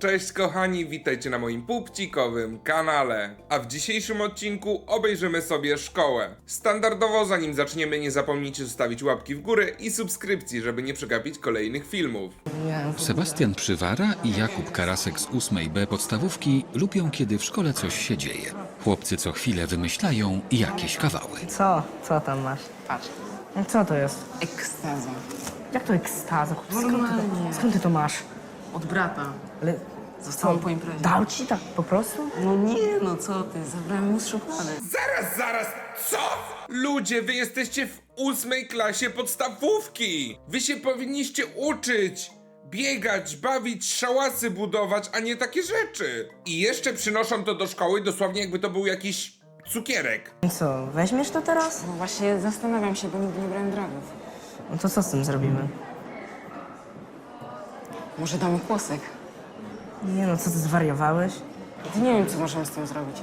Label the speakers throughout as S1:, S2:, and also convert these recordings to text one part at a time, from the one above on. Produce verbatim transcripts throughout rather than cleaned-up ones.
S1: cześć kochani, witajcie na moim pupcikowym kanale. A w dzisiejszym odcinku obejrzymy sobie szkołę. Standardowo zanim zaczniemy, nie zapomnijcie zostawić łapki w górę i subskrypcji, żeby nie przegapić kolejnych filmów.
S2: Sebastian Przywara i Jakub Karasek z ósmej B podstawówki lubią, kiedy w szkole coś się dzieje. Chłopcy co chwilę wymyślają jakieś kawały.
S3: Co? Co tam masz?
S4: Patrz,
S3: No co to jest?
S4: ekstaza.
S3: Jak to ekstaza? Skąd ty to,
S4: Normalnie.
S3: skąd ty to masz?
S4: Od brata.
S3: Ale
S4: Zostałam po imprezie.
S3: dał ci tak po prostu?
S4: No nie, no co ty, zabrałem mu z szuflady.
S1: Zaraz, zaraz, co? Ludzie, wy jesteście w ósmej klasie podstawówki! Wy się powinniście uczyć! Biegać, bawić, szałasy budować, a nie takie rzeczy! I jeszcze przynoszą to do szkoły dosłownie jakby to był jakiś cukierek.
S3: I co, weźmiesz to teraz?
S4: No właśnie zastanawiam się, bo nigdy nie brałem dragów.
S3: No to co z tym zrobimy?
S4: Może damy kłosek?
S3: Nie no, co ty zwariowałeś?
S4: To nie wiem, co możemy z tym zrobić.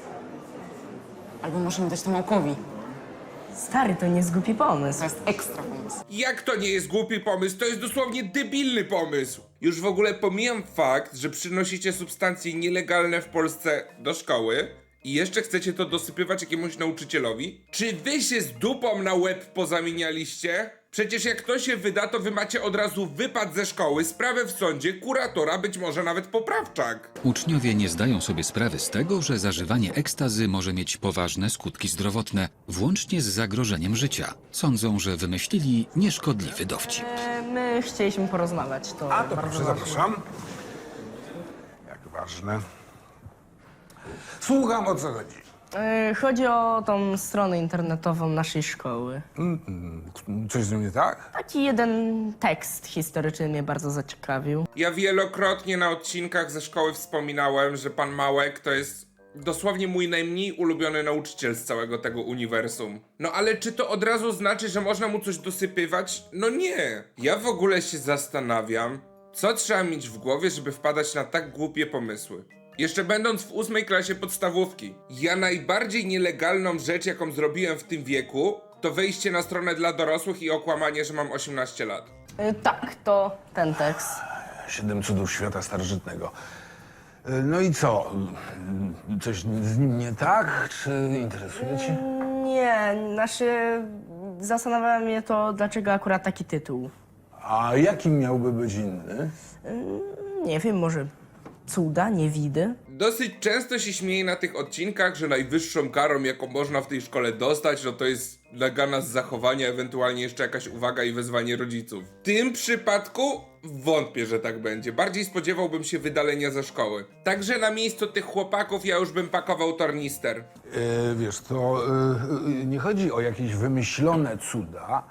S4: Albo możemy dać to Małkowi.
S3: Stary, to nie jest głupi pomysł.
S4: To jest ekstra pomysł.
S1: Jak to nie jest głupi pomysł? To jest dosłownie debilny pomysł! Już w ogóle pomijam fakt, że przynosicie substancje nielegalne w Polsce do szkoły i jeszcze chcecie to dosypywać jakiemuś nauczycielowi? Czy wy się z dupą na łeb pozamienialiście? Przecież jak to się wyda, to wy macie od razu wypad ze szkoły, sprawę w sądzie, kuratora, być może nawet poprawczak.
S2: Uczniowie nie zdają sobie sprawy z tego, że zażywanie ekstazy może mieć poważne skutki zdrowotne, włącznie z zagrożeniem życia. Sądzą, że wymyślili nieszkodliwy dowcip.
S3: E, My chcieliśmy porozmawiać, to
S5: A to
S3: bardzo
S5: proszę,
S3: ważne.
S5: zapraszam. Jak ważne. Słucham, o co chodzi.
S3: E, Chodzi o tą stronę internetową naszej szkoły.
S5: Coś z nią nie tak?
S3: Taki jeden tekst historyczny mnie bardzo zaciekawił.
S1: Ja wielokrotnie na odcinkach ze szkoły wspominałem, że pan Małek to jest dosłownie mój najmniej ulubiony nauczyciel z całego tego uniwersum. No ale czy to od razu znaczy, że można mu coś dosypywać? No nie. Ja w ogóle się zastanawiam, co trzeba mieć w głowie, żeby wpadać na tak głupie pomysły. Jeszcze będąc w ósmej klasie podstawówki, ja najbardziej nielegalną rzecz, jaką zrobiłem w tym wieku, to wejście na stronę dla dorosłych i okłamanie, że mam osiemnaście lat.
S3: E, Tak, to ten tekst.
S5: Siedem cudów świata starożytnego. Y, No i co? Y, Coś z nim nie tak? Czy interesuje cię?
S3: Nie, znaczy zastanawiała mnie to, dlaczego akurat taki tytuł.
S5: A jaki miałby być inny?
S3: Nie wiem, może cuda, niewidy?
S1: Dosyć często się śmieje na tych odcinkach, że najwyższą karą, jaką można w tej szkole dostać, no to jest nagana z zachowania, ewentualnie jeszcze jakaś uwaga i wezwanie rodziców. W tym przypadku wątpię, że tak będzie. Bardziej spodziewałbym się wydalenia ze szkoły. Także na miejscu tych chłopaków ja już bym pakował tornister.
S5: Y, wiesz, to y, y, nie chodzi o jakieś wymyślone cuda,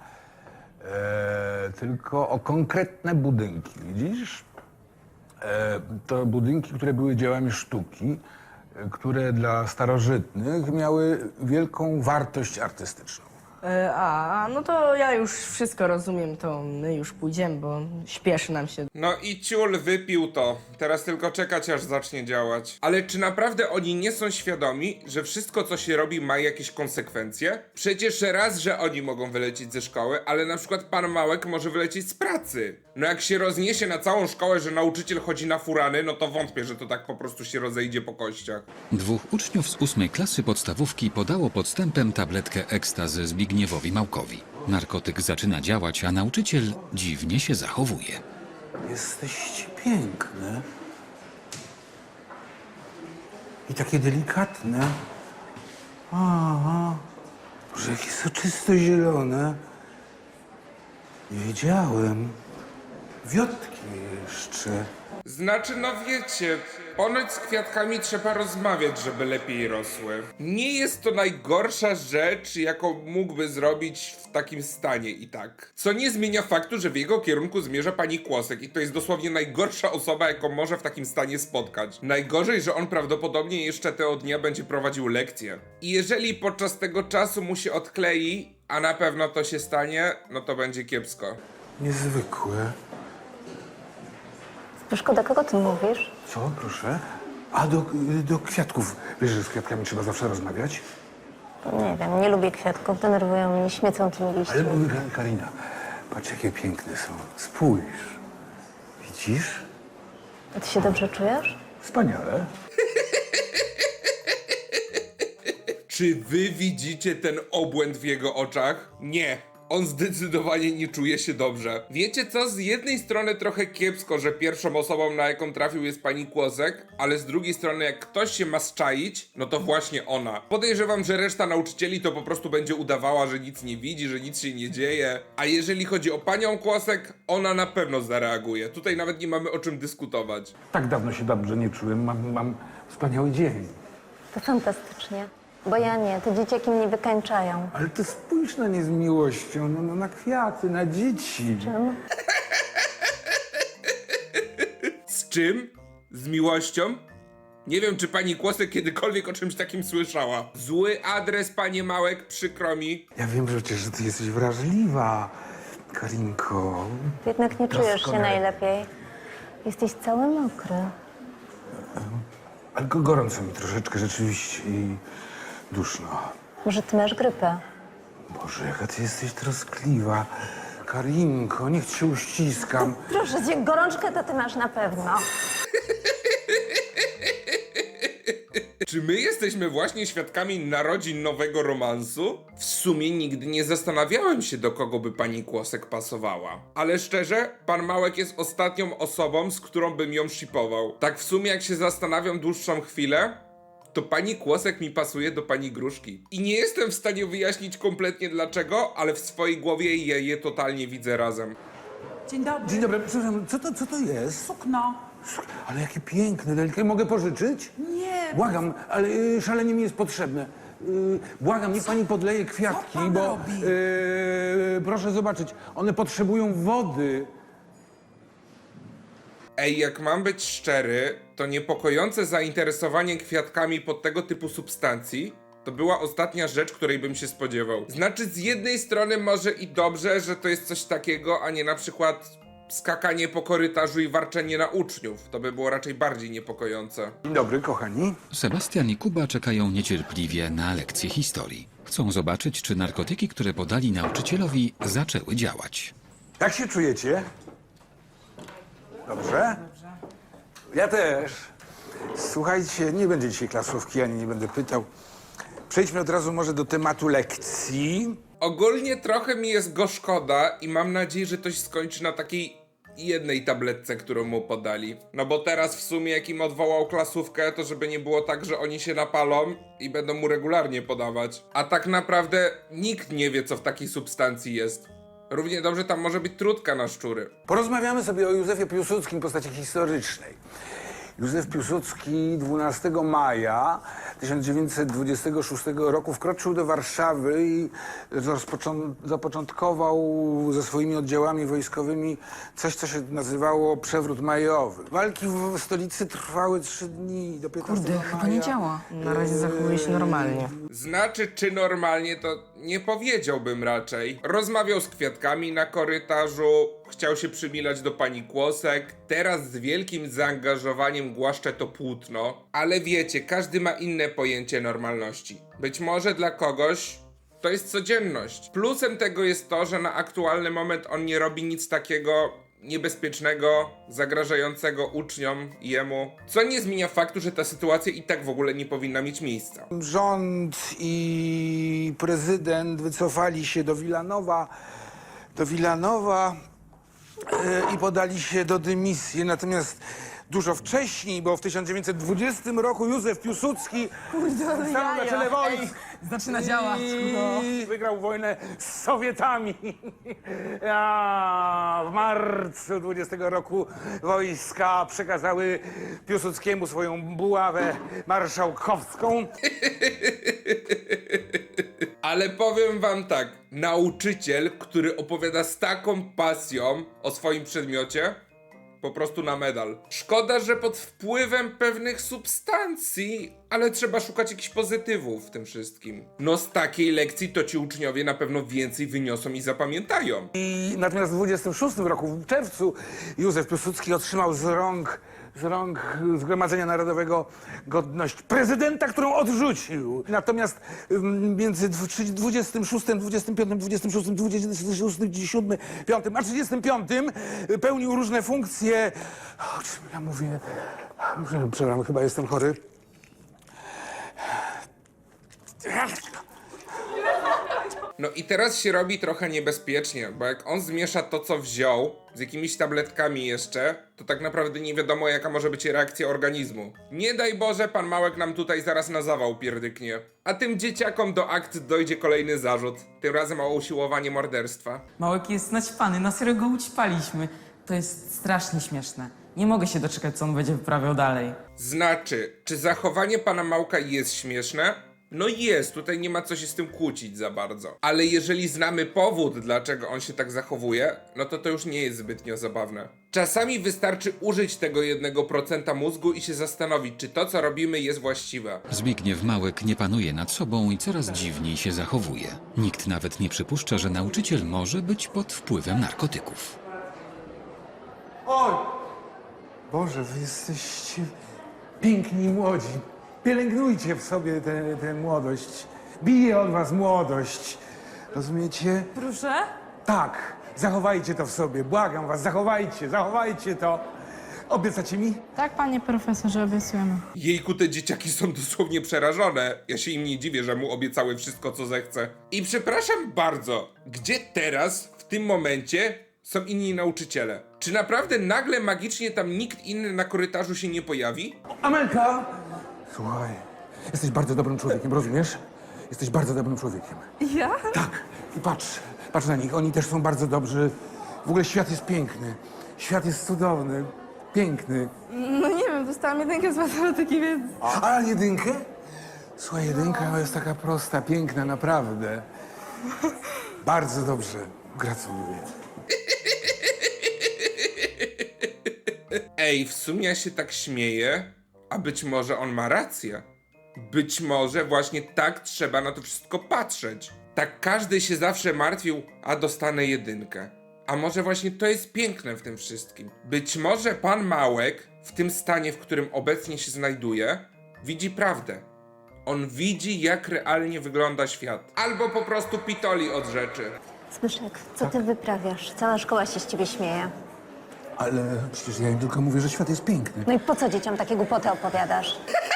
S5: e, tylko o konkretne budynki, widzisz? E, to budynki, które były dziełami sztuki, e, które dla starożytnych miały wielką wartość artystyczną.
S3: E, A, no to ja już wszystko rozumiem, to my już pójdziemy, bo śpieszy nam się.
S1: No i ciul wypił to. Teraz tylko czekać, aż zacznie działać. Ale czy naprawdę oni nie są świadomi, że wszystko, co się robi, ma jakieś konsekwencje? Przecież raz, że oni mogą wylecieć ze szkoły, ale na przykład pan Małek może wylecieć z pracy. No jak się rozniesie na całą szkołę, że nauczyciel chodzi na furany, no to wątpię, że to tak po prostu się rozejdzie po kościach.
S2: Dwóch uczniów z ósmej klasy podstawówki podało podstępem tabletkę ekstazy Zbigniewowi Małkowi. Narkotyk zaczyna działać, a nauczyciel dziwnie się zachowuje.
S5: Jesteście piękne. I takie delikatne. Aha. Boże, jakie soczysto zielone. Nie wiedziałem. Wiotki jeszcze.
S1: Znaczy, no wiecie, ponoć z kwiatkami trzeba rozmawiać, żeby lepiej rosły. Nie jest to najgorsza rzecz, jaką mógłby zrobić w takim stanie i tak. Co nie zmienia faktu, że w jego kierunku zmierza pani Kłosek i to jest dosłownie najgorsza osoba, jaką może w takim stanie spotkać. Najgorzej, że on prawdopodobnie jeszcze tego dnia będzie prowadził lekcje. I jeżeli podczas tego czasu mu się odklei, a na pewno to się stanie, no to będzie kiepsko.
S5: Niezwykłe.
S6: Szkoda, kogo ty mówisz?
S5: Co, proszę? A do, do kwiatków. Wiesz, że z kwiatkami trzeba zawsze rozmawiać?
S6: Nie wiem, nie lubię kwiatków, denerwują mnie, śmiecą tymi
S5: Ale
S6: liśćmi.
S5: mówię, Karina, patrz jakie piękne są. Spójrz. Widzisz?
S6: A ty się dobrze czujesz?
S5: Wspaniale.
S1: Czy wy widzicie ten obłęd w jego oczach? Nie. On zdecydowanie nie czuje się dobrze. Wiecie co? Z jednej strony trochę kiepsko, że pierwszą osobą, na jaką trafił, jest pani Kłosek, ale z drugiej strony jak ktoś się ma zczaić, no to właśnie ona. Podejrzewam, że reszta nauczycieli to po prostu będzie udawała, że nic nie widzi, że nic się nie dzieje. A jeżeli chodzi o panią Kłosek, ona na pewno zareaguje. Tutaj nawet nie mamy o czym dyskutować.
S5: Tak dawno się dobrze nie czułem. Mam, mam wspaniały dzień.
S6: To fantastycznie. Bo ja nie, te dzieciaki mnie wykańczają.
S5: Ale ty spójrz na nie z miłością, no, no na kwiaty, na dzieci.
S6: Czym?
S1: Z czym? Z miłością? Nie wiem, czy pani Kłosek kiedykolwiek o czymś takim słyszała. Zły adres, panie Małek, przykro mi.
S5: Ja wiem przecież, że ty jesteś wrażliwa, Karinko.
S6: Ty jednak nie czujesz się
S5: Doskonale.
S6: najlepiej. Jesteś cały mokry.
S5: Ale go- gorąco mi troszeczkę rzeczywiście i duszno.
S6: Może ty masz grypę?
S5: Boże, jaka ty jesteś troskliwa. Karinko, niech cię uściskam.
S6: Proszę cię, gorączkę to ty masz na pewno.
S1: Czy my jesteśmy właśnie świadkami narodzin nowego romansu? W sumie nigdy nie zastanawiałem się, do kogo by pani Kłosek pasowała. Ale szczerze, pan Małek jest ostatnią osobą, z którą bym ją shipował. Tak w sumie jak się zastanawiam dłuższą chwilę, to pani Kłosek mi pasuje do pani Gruszki. I nie jestem w stanie wyjaśnić kompletnie dlaczego, ale w swojej głowie je, je totalnie widzę razem.
S7: Dzień dobry.
S5: Dzień dobry, przepraszam, co to, co to jest?
S7: Sukno.
S5: Ale jakie piękne, delikatne. Mogę pożyczyć?
S7: Nie.
S5: Błagam, ale y, szalenie mi jest potrzebne. Y, błagam, niech pani podleje kwiatki,
S7: Co pan
S5: bo
S7: robi?
S5: y, proszę zobaczyć, one potrzebują wody.
S1: Ej, jak mam być szczery, to niepokojące zainteresowanie kwiatkami pod tego typu substancji to była ostatnia rzecz, której bym się spodziewał. Znaczy, z jednej strony może i dobrze, że to jest coś takiego, a nie na przykład skakanie po korytarzu i warczenie na uczniów. To by było raczej bardziej niepokojące.
S5: Dzień dobry, kochani.
S2: Sebastian i Kuba czekają niecierpliwie na lekcję historii. Chcą zobaczyć, czy narkotyki, które podali nauczycielowi, zaczęły działać.
S5: Jak się czujecie? Dobrze? Ja też. Słuchajcie, nie będzie dzisiaj klasówki, ani nie będę pytał. Przejdźmy od razu może do tematu lekcji.
S1: Ogólnie trochę mi jest go szkoda i mam nadzieję, że to się skończy na takiej jednej tabletce, którą mu podali. No bo teraz w sumie jak im odwołał klasówkę, to żeby nie było tak, że oni się napalą i będą mu regularnie podawać. A tak naprawdę nikt nie wie, co w takiej substancji jest. Równie dobrze tam może być trudka na szczury.
S5: Porozmawiamy sobie o Józefie Piłsudskim, postaci historycznej. Józef Piłsudski dwunastego maja tysiąc dziewięćset dwudziestego szóstego roku wkroczył do Warszawy i rozpoczą- zapoczątkował ze swoimi oddziałami wojskowymi coś, co się nazywało przewrót majowy. Walki w stolicy trwały trzy dni do piętnastego
S3: Kurde,
S5: maja.
S3: chyba nie działa. Na razie zachowuje się normalnie.
S1: Znaczy, czy normalnie, to nie powiedziałbym raczej. Rozmawiał z kwiatkami na korytarzu, chciał się przymilać do pani Kłosek, teraz z wielkim zaangażowaniem głaszcze to płótno. Ale wiecie, każdy ma inne pojęcie normalności. Być może dla kogoś to jest codzienność. Plusem tego jest to, że na aktualny moment on nie robi nic takiego niebezpiecznego, zagrażającego uczniom i jemu, co nie zmienia faktu, że ta sytuacja i tak w ogóle nie powinna mieć miejsca.
S5: Rząd i prezydent wycofali się do Wilanowa, do Wilanowa e, i podali się do dymisji. Natomiast dużo wcześniej, bo w tysiąc dziewięćset dwudziestym roku Józef Piłsudski stanął na czele wojsk.
S7: Zaczyna działać. No.
S5: I wygrał wojnę z Sowietami. A w marcu dwudziestego roku wojska przekazały Piłsudskiemu swoją buławę marszałkowską.
S1: Ale powiem wam tak, nauczyciel, który opowiada z taką pasją o swoim przedmiocie, po prostu na medal. Szkoda, że pod wpływem pewnych substancji, ale trzeba szukać jakichś pozytywów w tym wszystkim. No z takiej lekcji to ci uczniowie na pewno więcej wyniosą i zapamiętają.
S5: I natomiast w dwudziestym szóstym roku, w czerwcu, Józef Piłsudski otrzymał z rąk z rąk Zgromadzenia Narodowego godność prezydenta, którą odrzucił. Natomiast ym, między dwudziestym szóstym, dwudziestym piątym, dwudziestym szóstym, dwudziestym siódmym, piątym a trzydziestym piątym pełnił różne funkcje. O czym ja mówię? Przepraszam, chyba jestem chory.
S1: No i teraz się robi trochę niebezpiecznie, bo jak on zmiesza to, co wziął, z jakimiś tabletkami jeszcze, to tak naprawdę nie wiadomo, jaka może być reakcja organizmu. Nie daj Boże, pan Małek nam tutaj zaraz na zawał pierdyknie. A tym dzieciakom do akt dojdzie kolejny zarzut. Tym razem o usiłowanie morderstwa.
S7: Małek jest naćpany, na serio go ućpaliśmy. To jest strasznie śmieszne. Nie mogę się doczekać, co on będzie wyprawiał dalej.
S1: Znaczy, czy zachowanie pana Małka jest śmieszne? No jest, tutaj nie ma co się z tym kłócić za bardzo. Ale jeżeli znamy powód, dlaczego on się tak zachowuje, no to to już nie jest zbytnio zabawne. Czasami wystarczy użyć tego jednego procenta mózgu i się zastanowić, czy to, co robimy, jest właściwe.
S2: Zbigniew Małek nie panuje nad sobą i coraz dziwniej się zachowuje. Nikt nawet nie przypuszcza, że nauczyciel może być pod wpływem narkotyków.
S5: Oj! Boże, wy jesteście piękni i młodzi. Pielęgnujcie w sobie tę młodość. Bije od was młodość. Rozumiecie?
S7: Proszę?
S5: Tak, zachowajcie to w sobie. Błagam was, zachowajcie, zachowajcie to. Obiecacie mi?
S8: Tak, panie profesorze, obiecujemy.
S1: Jejku, te dzieciaki są dosłownie przerażone. Ja się im nie dziwię, że mu obiecały wszystko, co zechce. I przepraszam bardzo, gdzie teraz, w tym momencie, są inni nauczyciele? Czy naprawdę nagle magicznie tam nikt inny na korytarzu się nie pojawi?
S5: Amelka! Słuchaj, jesteś bardzo dobrym człowiekiem, rozumiesz? Jesteś bardzo dobrym człowiekiem.
S8: Ja?
S5: Tak, i patrz, patrz na nich, oni też są bardzo dobrzy. W ogóle świat jest piękny, świat jest cudowny, piękny.
S8: No nie wiem, dostałam jedynkę z matematyki, więc...
S5: A jedynkę? Słuchaj, jedynka jest taka prosta, piękna, naprawdę. Bardzo dobrze, gratuluję.
S1: Ej, w sumie ja się tak śmieję, a być może on ma rację. Być może właśnie tak trzeba na to wszystko patrzeć. Tak każdy się zawsze martwił, a dostanę jedynkę. A może właśnie to jest piękne w tym wszystkim. Być może pan Małek, w tym stanie, w którym obecnie się znajduje, widzi prawdę. On widzi, jak realnie wygląda świat. Albo po prostu pitoli od rzeczy.
S6: Zbyszek, co ty wyprawiasz? Cała szkoła się z ciebie śmieje.
S5: Ale przecież ja im tylko mówię, że świat jest piękny.
S6: No i po co dzieciom takie głupoty opowiadasz?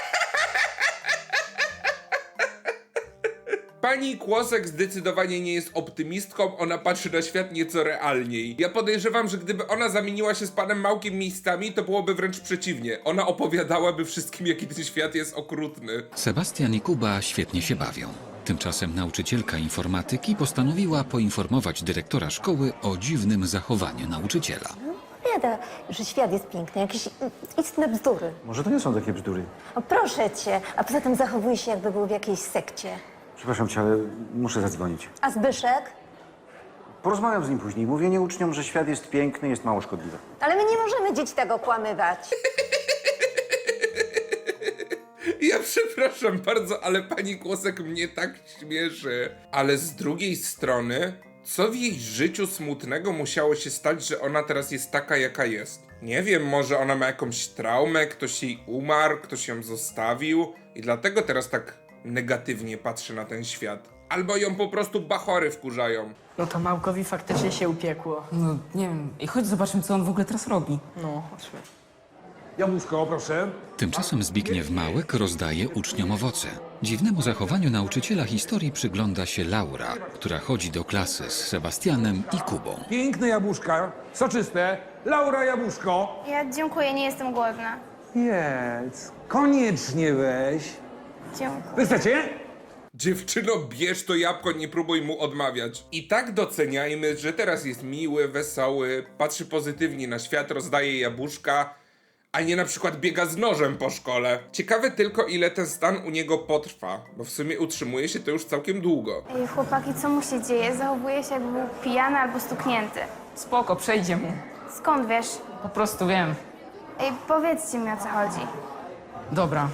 S1: Pani Kłosek zdecydowanie nie jest optymistką, ona patrzy na świat nieco realniej. Ja podejrzewam, że gdyby ona zamieniła się z panem Małkiem miejscami, to byłoby wręcz przeciwnie. Ona opowiadałaby wszystkim, jaki ten świat jest okrutny.
S2: Sebastian i Kuba świetnie się bawią. Tymczasem nauczycielka informatyki postanowiła poinformować dyrektora szkoły o dziwnym zachowaniu nauczyciela.
S6: Bieda, że świat jest piękny, jakieś istne bzdury.
S9: Może to nie są takie bzdury.
S6: O, proszę cię, a poza tym zachowuje się, jakby był w jakiejś sekcie.
S9: Przepraszam cię, ale muszę zadzwonić.
S6: A Zbyszek?
S9: Porozmawiam z nim później. Mówienie uczniom, że świat jest piękny, jest mało szkodliwe.
S6: Ale my nie możemy dzieci tego kłamywać.
S1: Ja przepraszam bardzo, ale pani Kłosek mnie tak śmieszy. Ale z drugiej strony, co w jej życiu smutnego musiało się stać, że ona teraz jest taka, jaka jest? Nie wiem, może ona ma jakąś traumę, ktoś jej umarł, ktoś ją zostawił i dlatego teraz tak negatywnie patrzy na ten świat. Albo ją po prostu bachory wkurzają.
S3: No to Małkowi faktycznie się upiekło.
S7: No nie wiem. I chodź zobaczmy, co on w ogóle teraz robi.
S3: No, chodźmy.
S5: Jabłuszko, proszę.
S2: Tymczasem Zbigniew Małek rozdaje uczniom owoce. Dziwnemu zachowaniu nauczyciela historii przygląda się Laura, która chodzi do klasy z Sebastianem i Kubą.
S5: Piękne jabłuszka, soczyste. Laura, jabłuszko.
S10: Ja dziękuję, nie jestem głodna.
S5: Jedz, koniecznie weź.
S10: Dziękuję.
S5: Wy chcecie?
S1: Dziewczyno, bierz to jabłko, nie próbuj mu odmawiać. I tak doceniajmy, że teraz jest miły, wesoły, patrzy pozytywnie na świat, rozdaje jabłuszka, a nie na przykład biega z nożem po szkole. Ciekawe tylko, ile ten stan u niego potrwa, bo w sumie utrzymuje się to już całkiem długo.
S10: Ej, chłopaki, co mu się dzieje? Zachowuje się, jakby był pijany albo stuknięty.
S7: Spoko, przejdzie mu.
S10: Skąd wiesz?
S7: Po prostu wiem.
S10: Ej, powiedzcie mi, o co chodzi.
S7: Dobra.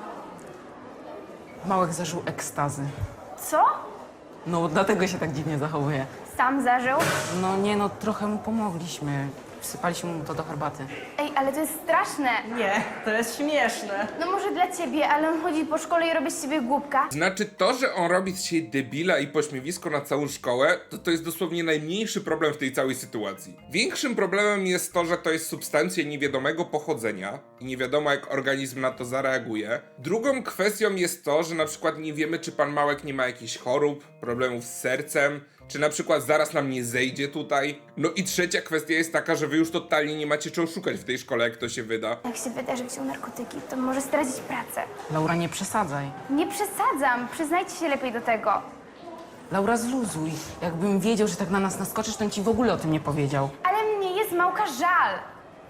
S7: Małek zażył ekstazy.
S10: Co?
S7: No dlatego się tak dziwnie zachowuje.
S10: Sam zażył?
S7: No nie no, trochę mu pomogliśmy. Wsypaliśmy mu to do herbaty.
S10: Ej, ale to jest straszne.
S3: Nie, to jest śmieszne.
S10: No może dla ciebie, ale on chodzi po szkole i robi z siebie głupka.
S1: Znaczy to, że on robi z siebie debila i pośmiewisko na całą szkołę, to to jest dosłownie najmniejszy problem w tej całej sytuacji. Większym problemem jest to, że to jest substancja niewiadomego pochodzenia i nie wiadomo jak organizm na to zareaguje. Drugą kwestią jest to, że na przykład nie wiemy, czy pan Małek nie ma jakichś chorób, problemów z sercem, czy na przykład zaraz nam nie zejdzie tutaj. No i trzecia kwestia jest taka, że wy już totalnie nie macie czego szukać w tej szkole, jak to się wyda.
S10: Jak się wyda, że wziął narkotyki, to może stracić pracę.
S7: Laura, nie przesadzaj.
S10: Nie przesadzam, przyznajcie się lepiej do tego.
S7: Laura, zluzuj. Jakbym wiedział, że tak na nas naskoczysz, to bym ci w ogóle o tym nie powiedział.
S10: Ale mnie jest Małka żal.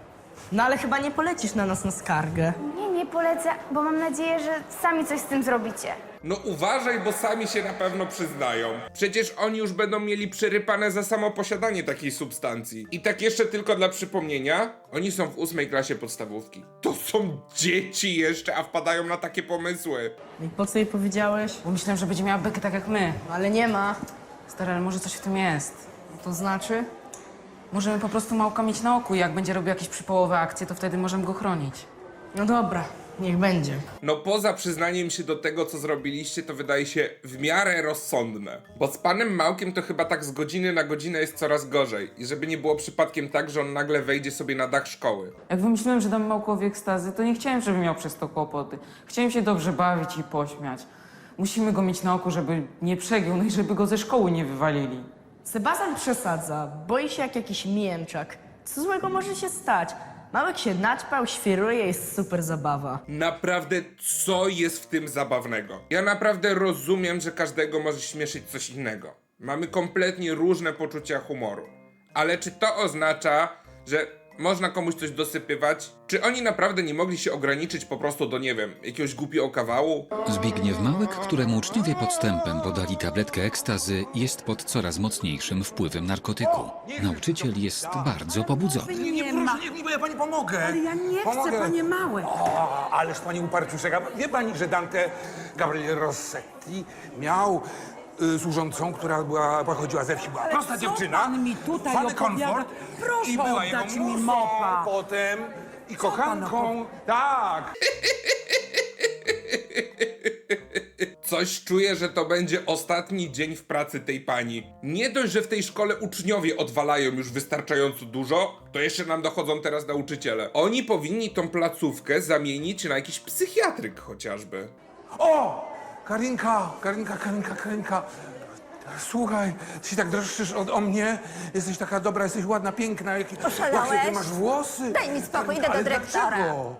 S3: No ale chyba nie polecisz na nas na skargę.
S10: Nie, nie polecę, bo mam nadzieję, że sami coś z tym zrobicie.
S1: No uważaj, bo sami się na pewno przyznają. Przecież oni już będą mieli przerypane za samo posiadanie takiej substancji. I tak jeszcze tylko dla przypomnienia, oni są w ósmej klasie podstawówki. To są dzieci jeszcze, a wpadają na takie pomysły.
S3: I po co jej powiedziałeś?
S7: Bo myślałem, że będzie miała bekę tak jak my.
S3: No, ale nie ma.
S7: Stary, ale może coś w tym jest.
S3: To znaczy?
S7: Możemy po prostu Małka mieć na oku i jak będzie robił jakieś przypołowe akcje, to wtedy możemy go chronić.
S3: No dobra, niech będzie.
S1: No poza przyznaniem się do tego, co zrobiliście, to wydaje się w miarę rozsądne. Bo z panem Małkiem to chyba tak z godziny na godzinę jest coraz gorzej. I żeby nie było przypadkiem tak, że on nagle wejdzie sobie na dach szkoły.
S7: Jak wymyśliłem, że dam Małkowi ekstazy, to nie chciałem, żeby miał przez to kłopoty. Chciałem się dobrze bawić i pośmiać. Musimy go mieć na oku, żeby nie przegiął, no i żeby go ze szkoły nie wywalili.
S3: Sebastian przesadza, boi się jak jakiś mięczak. Co złego może się stać? Małek się naćpał, świruje, jest super zabawa.
S1: Naprawdę, co jest w tym zabawnego? Ja naprawdę rozumiem, że każdego może śmieszyć coś innego. Mamy kompletnie różne poczucia humoru. Ale czy to oznacza, że można komuś coś dosypywać? Czy oni naprawdę nie mogli się ograniczyć po prostu do, nie wiem, jakiegoś głupiego kawału?
S2: Zbigniew Małek, któremu uczniowie podstępem podali tabletkę ekstazy, jest pod coraz mocniejszym wpływem narkotyku. Nauczyciel jest bardzo pobudzony.
S5: Nie, nie, proszę, niech mi, bo ja pani pomogę.
S11: Ale ja nie
S5: pomogę.
S11: chcę, panie Małek.
S5: O, ależ pani uparciuszeka. Wie pani, że Dante Gabriel Rossetti miał y, służącą, która była, pochodziła ze wsi. Była
S11: Ale
S5: prosta
S11: co
S5: dziewczyna.
S11: pan mi tutaj
S5: fany
S11: opowiada?
S5: komfort.
S11: Proszę
S5: I była jego
S11: oddać mi
S5: muzą
S11: mopa.
S5: potem i
S11: pan
S5: kochanką. Tak.
S1: Coś czuję, że to będzie ostatni dzień w pracy tej pani. Nie dość, że w tej szkole uczniowie odwalają już wystarczająco dużo, to jeszcze nam dochodzą teraz nauczyciele. Oni powinni tą placówkę zamienić na jakiś psychiatryk chociażby.
S5: O! Karinka, Karinka, Karinka, Karinka. Słuchaj, ty się tak droszczysz o, o mnie. Jesteś taka dobra, jesteś ładna, piękna. Jakie,
S6: Oszalałeś?
S5: jakie ty masz włosy.
S6: Daj mi spokój, idę do
S5: Ale
S6: dyrektora.
S5: dlaczego?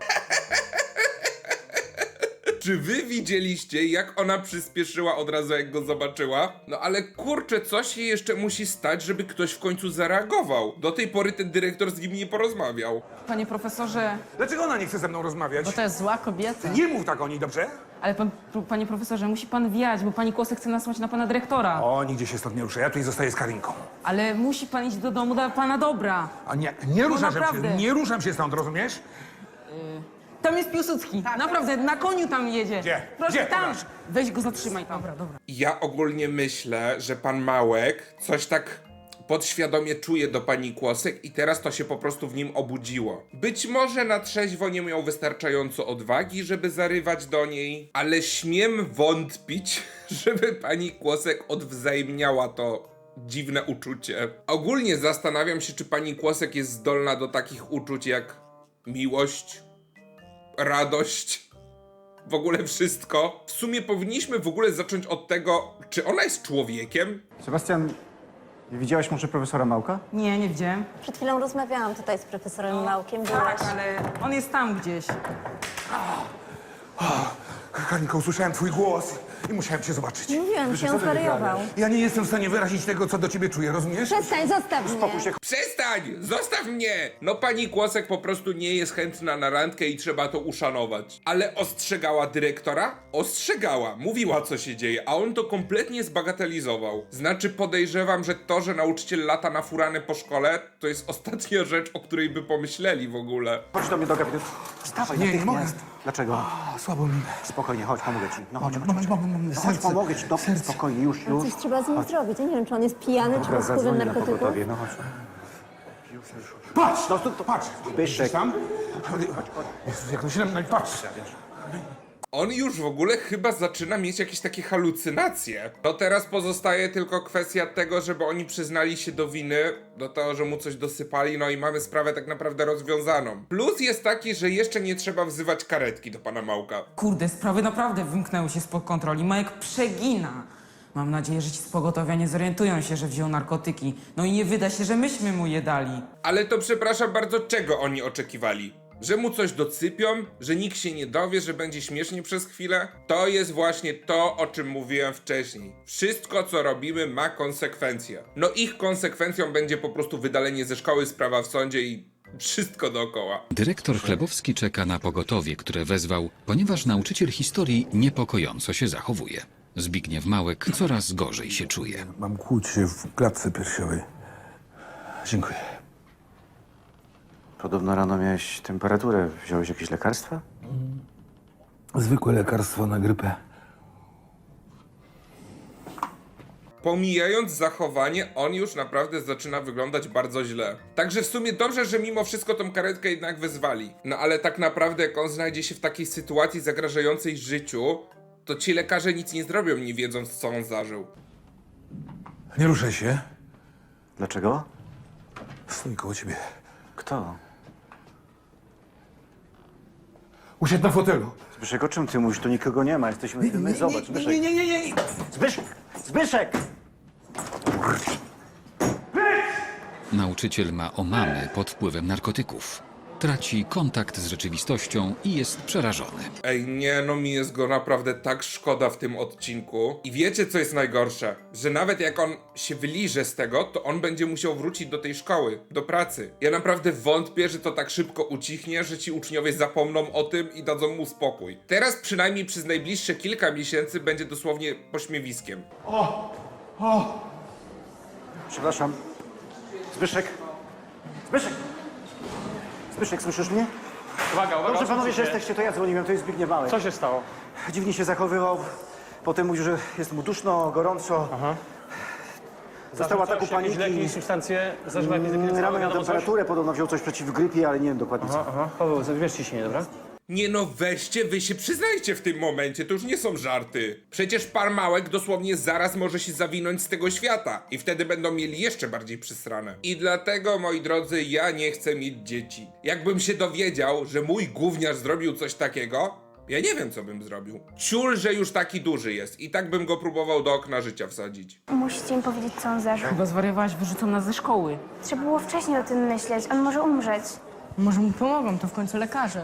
S1: Czy wy widzieliście, jak ona przyspieszyła od razu, jak go zobaczyła? No ale kurczę, co się jeszcze musi stać, żeby ktoś w końcu zareagował? Do tej pory ten dyrektor z nim nie porozmawiał.
S7: Panie profesorze,
S5: Dlaczego ona nie chce ze mną rozmawiać?
S3: Bo to jest zła kobieta.
S5: Nie mów tak o niej, dobrze?
S7: ale pan, panie profesorze, musi pan wiać, bo pani Kłosek chce nasłać na pana dyrektora.
S5: O, nigdzie się stąd nie ruszę. Ja tutaj zostaję z Karinką.
S7: Ale musi pan iść do domu dla pana dobra.
S5: A nie, nie ruszam się,
S7: naprawdę.
S5: nie ruszam się stąd, rozumiesz?
S7: Tam jest Piłsudski. Naprawdę, na koniu tam jedzie.
S5: Gdzie?
S7: Proszę,
S5: Gdzie?
S7: tam.
S5: Pokaż.
S7: Weź go zatrzymaj tam. Dobra, dobra.
S1: Ja ogólnie myślę, że pan Małek coś tak podświadomie czuje do pani Kłosek i teraz to się po prostu w nim obudziło. Być może na trzeźwo nie miał wystarczająco odwagi, żeby zarywać do niej, ale śmiem wątpić, żeby pani Kłosek odwzajemniała to dziwne uczucie. Ogólnie zastanawiam się, czy pani Kłosek jest zdolna do takich uczuć jak miłość, radość, w ogóle wszystko. W sumie powinniśmy w ogóle zacząć od tego, czy ona jest człowiekiem?
S9: Sebastian, widziałeś może profesora Małka?
S7: Nie, nie widziałem.
S6: Przed chwilą rozmawiałam tutaj z profesorem Małkiem.
S7: Tak,
S6: Byłaś.
S7: ale on jest tam gdzieś.
S5: Karinko, usłyszałem twój głos i musiałem cię zobaczyć.
S6: Mówiłam ci, on zwariował.
S5: Ja nie jestem w stanie wyrazić tego, co do ciebie czuję, rozumiesz?
S6: Przestań, zostaw mnie.
S1: Przestań! Zostaw mnie! No pani Kłosek po prostu nie jest chętna na randkę i trzeba to uszanować. Ale ostrzegała dyrektora? Ostrzegała. Mówiła, co się dzieje, a on to kompletnie zbagatelizował. Znaczy podejrzewam, że to, że nauczyciel lata na furany po szkole, to jest ostatnia rzecz, o której by pomyśleli w ogóle.
S9: Chodź do mnie do gabinetu. Wstawaj,
S5: Nie, nie
S9: natychmiast.
S5: mogę.
S9: Dlaczego?
S5: A, słabo mi.
S9: Spokojnie, chodź, pomogę ci. No chodź, chodź,
S5: Moment,
S9: chodź.
S5: moment, moment,
S9: No chodź,
S5: serce,
S9: pomogę ci. Dobrze,
S5: serce.
S9: spokojnie, już, już.
S6: Coś trzeba z nim zrobić. Ja nie wiem, czy on jest pijany, czy
S9: Dobra,
S6: pod wpływem
S9: zadzwoń na
S6: narkotyków.
S9: pogotowie, no chodź.
S5: Patrz!
S9: No to, to
S5: Patrz!
S9: Zbyszek.
S5: Tam? Jezus, jak to się nam... Patrz!
S1: On już w ogóle chyba zaczyna mieć jakieś takie halucynacje. No teraz pozostaje tylko kwestia tego, żeby oni przyznali się do winy, do tego, że mu coś dosypali, no i mamy sprawę tak naprawdę rozwiązaną. Plus jest taki, że jeszcze nie trzeba wzywać karetki do pana Małka.
S7: Kurde, sprawy naprawdę wymknęły się spod kontroli. Majek przegina. Mam nadzieję, że ci z pogotowia nie zorientują się, że wziął narkotyki. No i nie wyda się, że myśmy mu je dali.
S1: Ale to przepraszam bardzo, czego oni oczekiwali? Że mu coś docypią? Że nikt się nie dowie, że będzie śmiesznie przez chwilę? To jest właśnie to, o czym mówiłem wcześniej. Wszystko, co robimy, ma konsekwencje. No ich konsekwencją będzie po prostu wydalenie ze szkoły, sprawa w sądzie i wszystko dookoła.
S2: Dyrektor Chlebowski czeka na pogotowie, które wezwał, ponieważ nauczyciel historii niepokojąco się zachowuje. Zbigniew Małek coraz gorzej się czuje.
S5: Mam kłucie w klatce piersiowej. Dziękuję.
S9: Podobno rano miałeś temperaturę. Wziąłeś jakieś lekarstwa?
S5: Zwykłe lekarstwo na grypę.
S1: Pomijając zachowanie, on już naprawdę zaczyna wyglądać bardzo źle. Także w sumie dobrze, że mimo wszystko tą karetkę jednak wezwali. No ale tak naprawdę jak on znajdzie się w takiej sytuacji zagrażającej życiu, to ci lekarze nic nie zrobią, nie wiedząc, co on zażył.
S5: Nie ruszaj się.
S9: Dlaczego?
S5: Stoi koło ciebie.
S9: Kto?
S5: Usiadł na fotelu.
S9: Zbyszek, o czym ty mówisz? Tu nikogo nie ma. Jesteśmy my. Zobacz, Zbyszek.
S5: Nie, nie, nie, nie.
S9: Zbyszek! Zbyszek!
S2: Nauczyciel ma omamy pod wpływem narkotyków. Traci kontakt z rzeczywistością i jest przerażony.
S1: Ej, nie, no mi jest go naprawdę tak szkoda w tym odcinku. I wiecie, co jest najgorsze? Że nawet jak on się wyliże z tego, to on będzie musiał wrócić do tej szkoły, do pracy. Ja naprawdę wątpię, że to tak szybko ucichnie, że ci uczniowie zapomną o tym i dadzą mu spokój. Teraz przynajmniej przez najbliższe kilka miesięcy będzie dosłownie pośmiewiskiem.
S9: Przepraszam. Zbyszek! Zbyszek! Zbyszek, słyszysz mnie?
S11: Uwaga, uwaga,
S9: Dobrze, panowie,
S11: odsuńcie
S9: że
S11: się.
S9: jesteście, to ja dzwoniłem, to jest Zbigniew Małek.
S11: Co się stało?
S9: Dziwnie się zachowywał. Potem mówił, że jest mu duszno, gorąco.
S11: Aha.
S9: Został ataku
S11: Coś, jakieś
S9: paniki.
S11: leki, substancje, zażywa jakieś leki,
S9: Mm, Rano miał
S11: wiadomo coś?
S9: temperaturę, podobno wziął coś przeciw grypie, ale nie wiem dokładnie co.
S11: Aha, aha. Paweł, zabierz ciśnienie, dobra?
S1: Nie no, weźcie, wy się przyznajcie w tym momencie, to już nie są żarty. Przecież pan Małek dosłownie zaraz może się zawinąć z tego świata i wtedy będą mieli jeszcze bardziej przysrane. I dlatego, moi drodzy, ja nie chcę mieć dzieci. Jakbym się dowiedział, że mój gówniarz zrobił coś takiego, ja nie wiem, co bym zrobił. Ciul, że już taki duży jest i tak bym go próbował do okna życia wsadzić.
S10: Musicie mi powiedzieć, co on zażył.
S7: Chyba zwariowałaś, wyrzucą nas ze szkoły.
S10: Trzeba było wcześniej o tym myśleć. On może umrzeć.
S3: Może mu pomogą, to w końcu lekarze.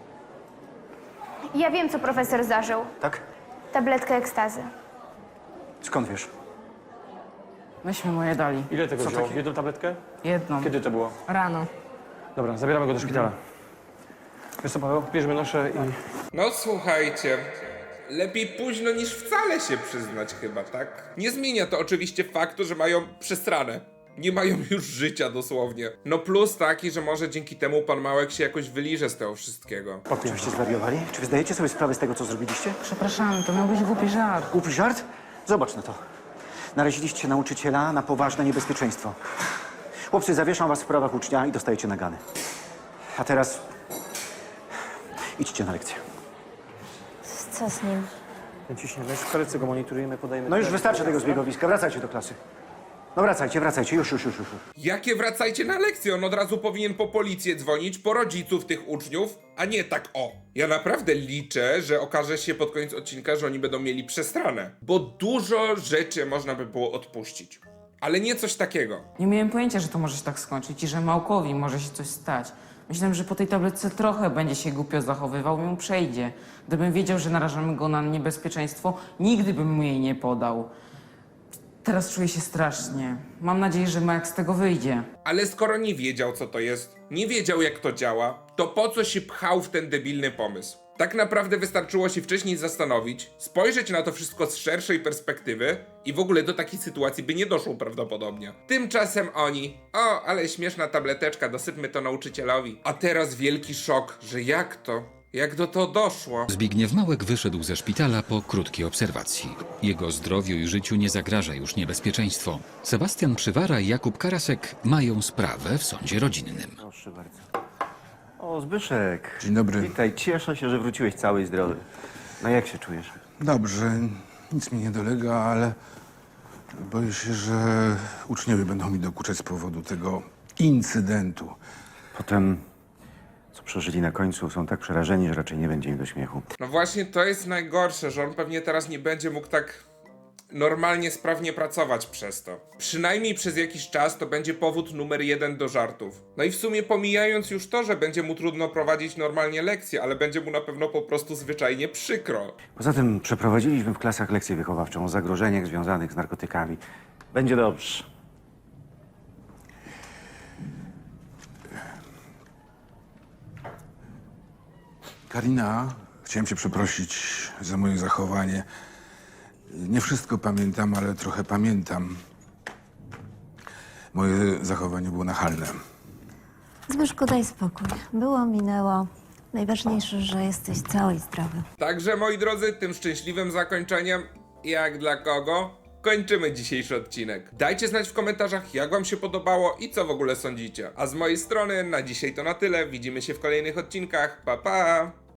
S10: Ja wiem, co profesor zażył.
S9: Tak?
S10: Tabletkę ekstazy.
S9: Skąd wiesz?
S7: Myśmy mu je dali.
S11: Ile tego
S9: Co
S11: wziął?
S9: takie?
S11: Jedną tabletkę?
S7: Jedną.
S11: Kiedy to było?
S3: Rano.
S11: Dobra, zabieramy go do szpitala. Wiesz co, Paweł? Bierzmy noszę i...
S1: No słuchajcie, lepiej późno niż wcale się przyznać chyba, tak? Nie zmienia to oczywiście faktu, że mają przestranę. Nie mają już życia dosłownie. No plus taki, że może dzięki temu pan Małek się jakoś wyliże z tego wszystkiego.
S9: Oczywiście zwariowali. Czy wy zdajecie sobie sprawę z tego, co zrobiliście?
S7: Przepraszamy, to miał być głupi żart.
S9: Głupi żart? Zobacz na to. Naraziliście nauczyciela na poważne niebezpieczeństwo. Chłopcy, zawieszam was w sprawach ucznia i dostajecie nagany. A teraz idźcie na lekcję.
S6: Co z nim?
S11: Ciśnienie. W karetce go monitorujemy, podajemy...
S9: No już wystarczy tego zbiegowiska. Wracajcie do klasy. No wracajcie, wracajcie. Już, już, już, już.
S1: Jakie wracajcie na lekcję? On od razu powinien po policję dzwonić, po rodziców tych uczniów, a nie tak o. Ja naprawdę liczę, że okaże się pod koniec odcinka, że oni będą mieli przestranę. Bo dużo rzeczy można by było odpuścić. Ale nie coś takiego.
S7: Nie miałem pojęcia, że to może się tak skończyć i że Małkowi może się coś stać. Myślałem, że po tej tabletce trochę będzie się głupio zachowywał i mu przejdzie. Gdybym wiedział, że narażamy go na niebezpieczeństwo, nigdy bym mu jej nie podał. Teraz czuję się strasznie. Mam nadzieję, że Majek z tego wyjdzie.
S1: Ale skoro nie wiedział, co to jest, nie wiedział, jak to działa, to po co się pchał w ten debilny pomysł? Tak naprawdę wystarczyło się wcześniej zastanowić, spojrzeć na to wszystko z szerszej perspektywy i w ogóle do takiej sytuacji by nie doszło prawdopodobnie. Tymczasem oni, o, ale śmieszna tableteczka, dosypmy to nauczycielowi. A teraz wielki szok, że jak to? Jak do to doszło?
S2: Zbigniew Małek wyszedł ze szpitala po krótkiej obserwacji. Jego zdrowiu i życiu nie zagraża już niebezpieczeństwo. Sebastian Przywara i Jakub Karasek mają sprawę w sądzie rodzinnym.
S9: Proszę bardzo. O, Zbyszek.
S5: Dzień dobry.
S9: Witaj, cieszę się, że wróciłeś cały i zdrowy. No jak się czujesz?
S5: Dobrze, nic mi nie dolega, ale boję się, że uczniowie będą mi dokuczać z powodu tego incydentu.
S9: Potem, co przeżyli na końcu, są tak przerażeni, że raczej nie będzie im do śmiechu.
S1: No właśnie to jest najgorsze, że on pewnie teraz nie będzie mógł tak normalnie, sprawnie pracować przez to. Przynajmniej przez jakiś czas to będzie powód numer jeden do żartów. No i w sumie pomijając już to, że będzie mu trudno prowadzić normalnie lekcje, ale będzie mu na pewno po prostu zwyczajnie przykro.
S9: Poza tym przeprowadziliśmy w klasach lekcję wychowawczą o zagrożeniach związanych z narkotykami. Będzie dobrze.
S5: Karina, chciałem cię przeprosić za moje zachowanie. Nie wszystko pamiętam, ale trochę pamiętam. Moje zachowanie było nachalne.
S6: Zbyszku, daj spokój. Było, minęło. Najważniejsze, że jesteś cały i zdrowy.
S1: Także moi drodzy, tym szczęśliwym zakończeniem, jak dla kogo, kończymy dzisiejszy odcinek. Dajcie znać w komentarzach, jak wam się podobało i co w ogóle sądzicie. A z mojej strony na dzisiaj to na tyle. Widzimy się w kolejnych odcinkach. Pa pa!